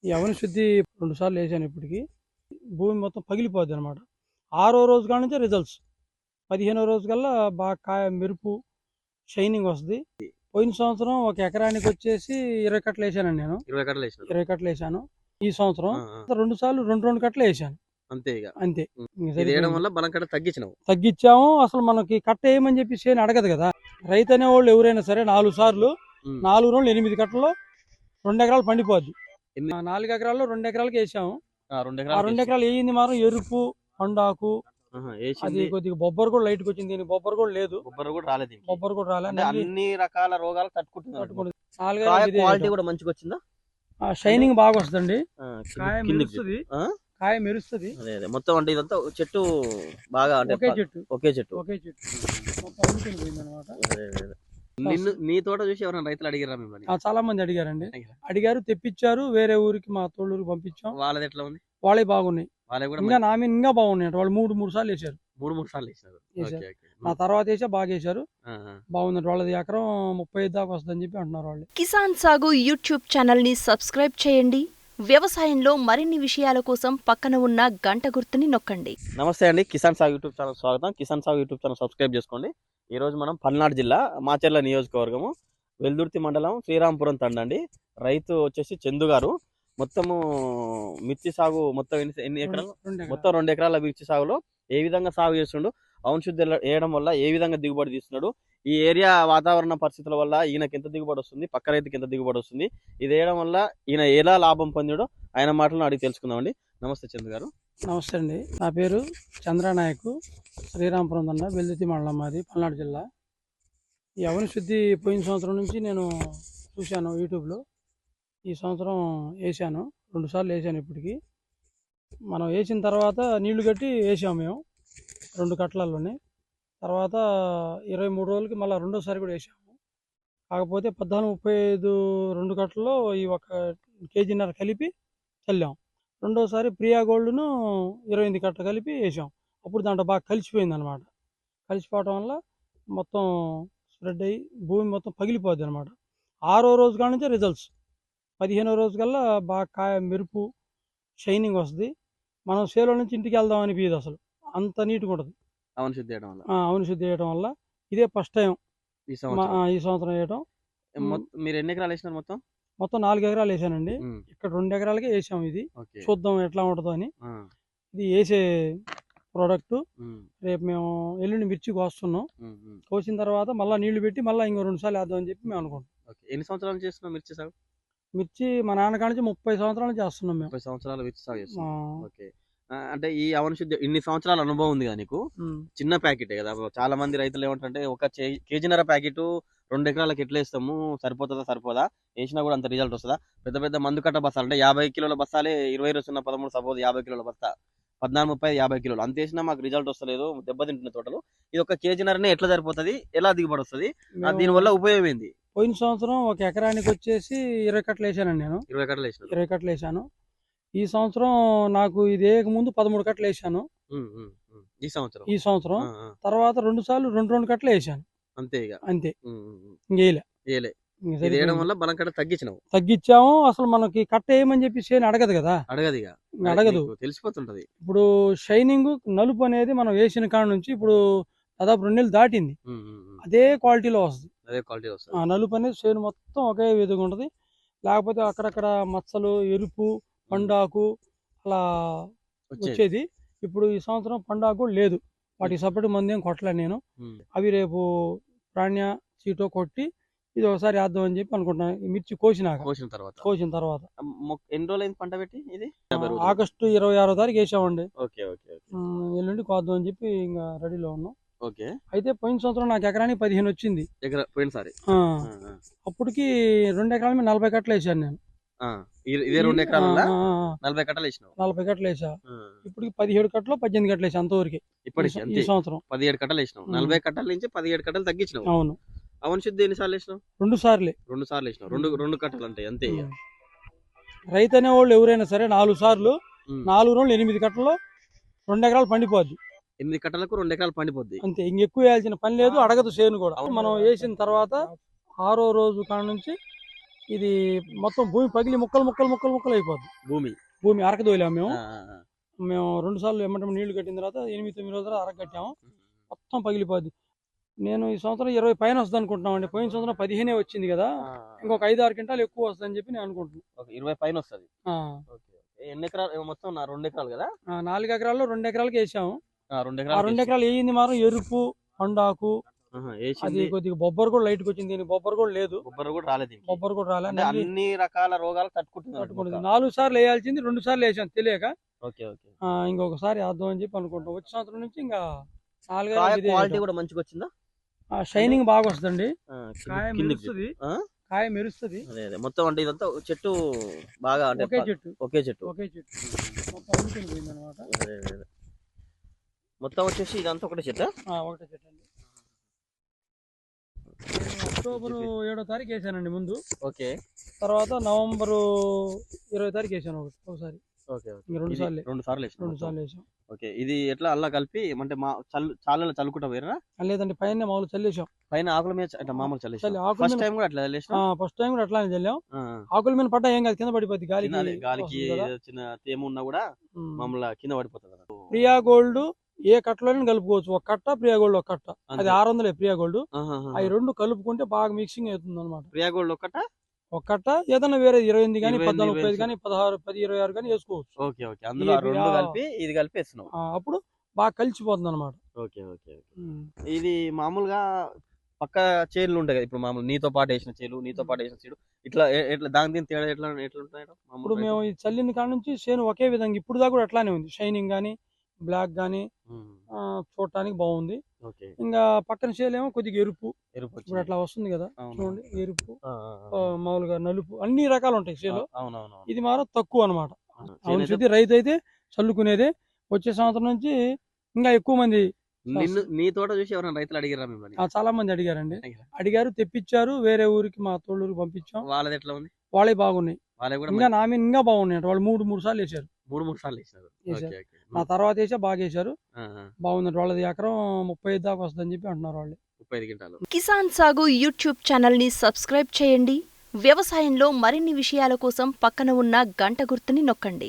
ఈ అవని శుద్ధి 2 సార్లు వేసాను ఇప్పటికి. భూమి మొత్తం పగిలిపోద్దనమాట. 6వ రోజు కాడ నుంచే రిజల్ట్స్. 15వ రోజు కల్లా బాగా కాయ మెరుపు, షైనింగ్ వస్తది. పోయిన సంవత్సరం ఒక ఎకరానికొచ్చేసి 20 కట్టలు వేసానండి నేను. 20 కట్టలు వేసినారు. 20 కట్టలు వేసాను. ఈ సంవత్సరం 2 సార్లు 2 కట్టలు వేసాను. అంతే ఇక. అంతే. ఇది వేయడం వల్ల బలం కట్ట తగ్గించినావు. తగ్గించాము. అసలు మనకి కట్ట వేయమని చెప్పి చేను అడగదు కదా. రైతు అనేవాళ్ళు ఎవరైనా సరే 4 సార్లు 4 రోజులు 8 కట్టల్లో 2 ఎకరాలు పండిపోద్ది. 4 ఎకరాల్లో 2 ఎకరాలకి వేసాము. 2 ఎకరాలు వేయింది మాత్రం ఎరుపు, పండాకు, అది కొద్దిగా బొబ్బరు కూడా లైట్ వచ్చింది. దీనికి బొబ్బరు కూడా లేదు. బొబ్బరు కూడా రాలేదు. బొబ్బరు కూడా రాలేదు. అన్ని రకాల రోగాలు తట్టుకుంటుంది. క్వాలిటీ కూడా మంచిగా వచ్చిందా? షైనింగ్ బాగా వస్తుందండి. కాయ మెరుస్తుంది. కాయ మెరుస్తుంది. మొత్తం అంటే ఇదంతా చెట్టు బాగా ఒకే చెట్టు నిన్ను నీ తోట చూసి ఎవరైనా రైతులు అడిగారా మిమ్మల్ని? చాలా మంది అడిగారండి. అడిగారు, తెప్పించారు. వేరే ఊరికి మా తోళ్ళూరికి పంపించాం. వాళ్ళది ఎట్లా ఉంది? వాళ్ళే బాగున్నాయి. ఇంకా నా మీద ఇంకా బాగున్నాయి. వాళ్ళు 3 సార్లు వేసారు. 3 సార్లు వేసారు. నా తర్వాత వేసా బాగా వేసారు. బాగుందండి. వాళ్ళది ఎకరం 35 దాకా వస్తుందని చెప్పి అంటున్నారు వాళ్ళు. కిసాన్ సాగు యూట్యూబ్ ఛానల్ ని సబ్స్క్రైబ్ చేయండి. వ్యవసాయంలో మరిన్ని విషయాల కోసం పక్కన ఉన్న గంట గుర్తుని నొక్కండి. నమస్తే అండి, కిసాన్ సాగు యూట్యూబ్ ఛానల్ స్వాగతం. కిసాన్ సాగు యూట్యూబ్ ఛానల్ సబ్స్క్రైబ్ చేసుకోండి. ఈ రోజు మనం పల్నాడు జిల్లా మాచర్ల నియోజకవర్గము వెల్దుర్తి మండలం శ్రీరాంపురం తండండి. రైతు వచ్చేసి చందు గారు. మొత్తము మిర్చి సాగు మొత్తం ఎన్ని ఎకరాలు? మొత్తం 2 ఎకరాల మిర్చి సాగులో ఏ విధంగా సాగు చేస్తుండు, అవును శుద్ధి వేయడం వల్ల ఏ విధంగా దిగుబడి తీస్తున్నాడు, ఈ ఏరియా వాతావరణ పరిస్థితుల వల్ల ఈయనకి ఎంత దిగుబడి వస్తుంది, పక్క రైతుకి ఎంత దిగుబడి వస్తుంది, ఇది వేయడం వల్ల ఈయన ఎలా లాభం పొందాడో ఆయన మాటలను అడిగి తెలుసుకుందామండి. నమస్తే చందు గారు. నమస్తే అండి. నా పేరు చంద్రనాయకు, శ్రీరాంపురం తండ, వెల్దుర్తి మండలం, మాది పల్నాడు జిల్లా. ఈ అవని శుద్ధి పోయిన సంవత్సరం నుంచి నేను చూశాను యూట్యూబ్లో. ఈ సంవత్సరం వేసాను. 2 సార్లు వేసాను ఇప్పటికి. మనం వేసిన తర్వాత నీళ్లు కట్టి వేసాము మేము 2 కట్టలలోనే. తర్వాత 23 రోజులకి మళ్ళీ రెండోసారి కూడా వేసాము. కాకపోతే 14-35 2 కట్టల్లో ఈ 1.5 kg కలిపి చల్లాం. రెండోసారి ప్రియా గోల్డ్ను 28 కట్టలు కలిపి వేసాం. అప్పుడు దాంట్లో బాగా కలిసిపోయింది అనమాట. కలిసిపోవటం వల్ల మొత్తం స్ప్రెడ్ అయ్యి భూమి మొత్తం పగిలిపోద్ది అనమాట. 6వ రోజు కాడ నుంచే రిజల్ట్స్. 15వ రోజు కల్లా బాగా కాయ మెరుపు, షైనింగ్ వస్తుంది. మనం సేలో నుంచి ఇంటికి వెళ్దాం అనిపించదు అసలు, అంత నీట్గా ఉంటుంది. అవును శుద్ధి వేయడం వల్ల. అవును శుద్ధి వేయడం వల్ల ఇదే ఫస్ట్ టైం ఈ సంవత్సరం వేయడం. మీరు ఎన్ని ఎకరాలు వేసినారు? మొత్తం 4 ఎకరాలు వేసానండి. ఇక్కడ 2 ఎకరాలకే వేసాం. ఇది చూద్దాం ఎట్లా ఉంటుందో అని. ఇది వేసే ప్రోడక్ట్. రేపు మేము ఎల్లుండి మిర్చి కోస్తున్నాం. కోసిన తర్వాత మళ్ళీ నీళ్లు పెట్టి మళ్ళీ ఇంకో 2 సార్లు వేద్దాం అని చెప్పి మేము అనుకుంటాం. ఎన్ని సంవత్సరాలు చేస్తున్నాం మిర్చి సాగు? మిర్చి మా నాన్నకాడ నుంచి 30 సంవత్సరాలు చేస్తున్నాం మేము. 30 సంవత్సరాలు మిర్చి సాగు చేస్తున్నాం. ఓకే. అంటే ఈ అవని శుద్ధి ఇన్ని సంవత్సరాల అనుభవం ఉంది కదా నీకు. చిన్న ప్యాకెటే కదా. చాలా మంది రైతులు ఏమంటారంటే 1 కేజీన్నర ప్యాకెట్ 2 ఎకరాలకు ఎట్లా వేస్తాము, సరిపోదా, వేసినా కూడా అంత రిజల్ట్ వస్తుందా? పెద్ద పెద్ద మందు కట్ట బస్తాలు అంటే 50 కిలోల బస్తాలే 20-13 సపోజ్ 50 కిలోల బస్తా 14-30-50 కిలోలు అంత వేసినా మాకు రిజల్ట్ వస్తలేదు, దెబ్బతింటున్న తోటలు. ఇది 1 కేజీన్నరనే ఎట్లా సరిపోతుంది, ఎలా దిగుబడి వస్తుంది, దీనివల్ల ఉపయోగం ఏంది? పోయిన సంవత్సరం 1 ఎకరానికి వచ్చేసి 20 కట్టలు వేసానండి నేను. 20 కట్టలు వేసాను. 20 కట్టలు వేసాను. ఈ సంవత్సరం నాకు ఇది వేయక ముందు 13 కట్టలు వేసాను. ఈ సంవత్సరం తర్వాత 2 సార్లు 2 కట్టలు వేసాను. అంతే ఇక. అంతే. ఇంకేలే. వేయడం వల్ల బలం కట్ట తగ్గించాము. అసలు మనకి కట్ట వేయమని చెప్పి చేను అడగదు కదా. అడగదు, తెలిసిపోతుంటది. ఇప్పుడు షైనింగ్ నలుపు అనేది మనం వేసిన కాడ నుంచి ఇప్పుడు దాదాపు 2 నెలలు దాటింది. అదే క్వాలిటీలో వస్తుంది. నలుపు అనేది చేను మొత్తం ఒకే విధంగా ఉంటది. లేకపోతే అక్కడక్కడ మచ్చలు, ఎరుపు, పండాకు అలా వచ్చేది. ఇప్పుడు ఈ సంవత్సరం పండాకు కూడా లేదు. వాటికి సపరేట్ మంది ఏం కొట్టలేదు నేను. అవి రేపు ప్రాణ్య చీటో కొట్టి ఇది ఒకసారి వేద్దాం అని చెప్పి అనుకుంటున్నాను. ఈ మిర్చి కోసిన తర్వాత ఎన్ని రోజులు పంట పెట్టి ఇది ఆగస్టు 26వ తారీఖు వేసామండి. ఎల్లుండి కోద్దాం అని చెప్పి ఇంకా రెడీలో ఉన్నాం. అయితే పోయిన సంవత్సరం నాకు ఎకరానికి 15 వచ్చింది. అప్పటికి 2 ఎకరాల మీద 40 కట్టలు వేసాను నేను. 2 ఎకరాల 40 కట్టలు వేసిన. 40 కట్టలు వేసా. ఇప్పటికి 17 కట్టలు 18 కట్టలు వేసా అంతవరకు. ఈ సంవత్సరం 17 కట్టలు వేసినావు. 40 కట్టల నుంచి 17 కట్టలు తగ్గించినావు. అవును. అవని శుద్ధి ఎన్నిసార్లు వేసినావు? 2 సార్లు వేసినావు. 2 కట్టలు అంటే అంతే. రైతు అనేవాళ్ళు ఎవరైనా సరే 4 సార్లు 4 రోజులు 8 కట్టల్లో 2 ఎకరాలు పండిపోద్ది. 8 కట్టలకు 2 ఎకరాలు పండిపోద్ది. అంతే. ఇంకెక్కువ వేయాల్సిన పని లేదు, అడగదు చేను కూడా. మనం వేసిన తర్వాత 6వ రోజు కాడ నుంచి ఇది మొత్తం భూమి పగిలి ముక్కలు ముక్కలు ముక్కలు ముక్కలు అయిపోద్ది. భూమి అరకదోలాము మేము. మేము 2 సార్లు ఎమ్మటం నీళ్లు కట్టిన తర్వాత 8-9 రోజుల తర్వాత అరక కట్టాము. మొత్తం పగిలిపోద్ది. నేను ఈ సంవత్సరం 20 పైన వస్తుంది అనుకుంటున్నామండి. పోయిన సంవత్సరం 15 వచ్చింది కదా, ఇంకొక 5-6 క్వింటాలు ఎక్కువ వస్తుందని చెప్పి నేను అనుకుంటున్నాను. 20 పైన వస్తుంది. ఎన్ని ఎకరాలు మొత్తం? 2 ఎకరాలు కదా. 4 ఎకరాల్లో 2 ఎకరాలకి వేసాము. 2 2 ఎకరాలు వేయింది మాత్రం ఎరుపు పండాకు, అది కొద్దిగా బొబ్బరు కూడా లైట్ వచ్చింది. దీనికి బొబ్బరు కూడా లేదు. బొబ్బరు కూడా రాలేదు. అన్ని రకాల రోగాలు తట్టుకుంటుంది. 4 సార్లు వేయాల్సింది 2 సార్లు వేసాం తెలియక. ఇంకొకసారి వేద్దాం అని చెప్పి అనుకుంటాం. వచ్చే సంవత్సరం నుంచి ఇంకా 4 క్వాలిటీ కూడా మంచిగా వచ్చిందా? షైనింగ్ బాగా వస్తుంది. కాయ మెరుస్తుంది. మొత్తం అంటే ఇదంతా చెట్టు బాగా ఒకే చెట్టు మొత్తం వచ్చేసి ఇదంతా ఒకటే చెట్టు. ఒకటే చెట్టు అండి. అక్టోబర్ 7వ తారీఖు వేసానండి ముందు. తర్వాత నవంబర్ 20వ తారీఖు వేసాను ఒకసారి. 2 సార్లు వేసాం. ఇది ఎట్లా అల్లా కలిపి అంటే చాలా చల్లుకుంటా పోయినా? లేదండి, పైన మామూలు చల్లేసాం. పైన ఆకుల మీద మామూలు చల్లేసాం. ఫస్ట్ టైం కూడా అట్లానే చల్లాం. ఆకుల మీద పడ్డా ఏం కాదు, కింద పడిపోద్ది. గాలికి చిన్న తేమ ఉన్నా కూడా మామూలు కింద పడిపోతుంది. ప్రియా గోల్డ్ ఏ కట్టలోనే కలుపుకోవచ్చు. ఒక కట్ట ప్రియా గోల్డ్ ఒక కట్ట, అది 600 ప్రియా గోల్డ్. అవి 2 కలుపుకుంటే బాగా మిక్సింగ్ అవుతుంది అనమాట. ప్రియా గోల్డ్ ఒక కట్ట ఏదైనా వేరే 28 కానీ 14, 35 కానీ 16, 10, 26 కానీ వేసుకోవచ్చు. అప్పుడు బాగా కలిసిపోతుంది అనమాట. ఇది మామూలుగా పక్క చేనులు ఉంటాయి కదా, ఇప్పుడు మామూలు నీతో పాటు వేసిన చేను ఇట్లా దాని తేడా ఎట్లా ఉంటాయి? ఇప్పుడు మేము ఈ చల్లిన కాడ నుంచి చేను ఒకే విధంగా ఇప్పుడు దాకా కూడా అట్లానే ఉంది. షైనింగ్ గానీ బ్లాక్ గానీ చూడటానికి బాగుంది. ఇంకా పక్కన చేలేమో కొద్దిగా ఎరుపు ఇప్పుడు అట్లా వస్తుంది కదా, చూడండి. ఎరుపు, మామూలుగా నలుపు, అన్ని రకాలు ఉంటాయి చేలో. ఇది మాత్రం తక్కువ అనమాట. అవును, రైతు అయితే చల్లుకునేదే. వచ్చే సంవత్సరం నుంచి ఇంకా ఎక్కువ మంది. నీ తోట చూసి ఎవరైనా రైతులు అడిగారా? చాలా మంది అడిగారు, తెప్పించారు. వేరే ఊరికి మా తోళ్ళూరికి పంపించాం. వాళ్ళది ఎట్లా ఉంది? వాళ్ళే బాగున్నాయి. ఇంకా నా మీద ఇంకా బాగున్నాయి. వాళ్ళు 3 సార్లు వేసారు. 3 సార్లు వేసారు. నా తర్వాత వేసా బాగా వేసారు. బాగుందండి. వాళ్ళది ఎకరం 35 దాకా వస్తుందని చెప్పి అంటున్నారు వాళ్ళు. 35 క్వింటాలు. కిసాన్ సాగు యూట్యూబ్ ఛానల్ ని సబ్స్క్రైబ్ చేయండి. వ్యవసాయంలో మరిన్ని విషయాల కోసం పక్కన ఉన్న గంట గుర్తుని నొక్కండి.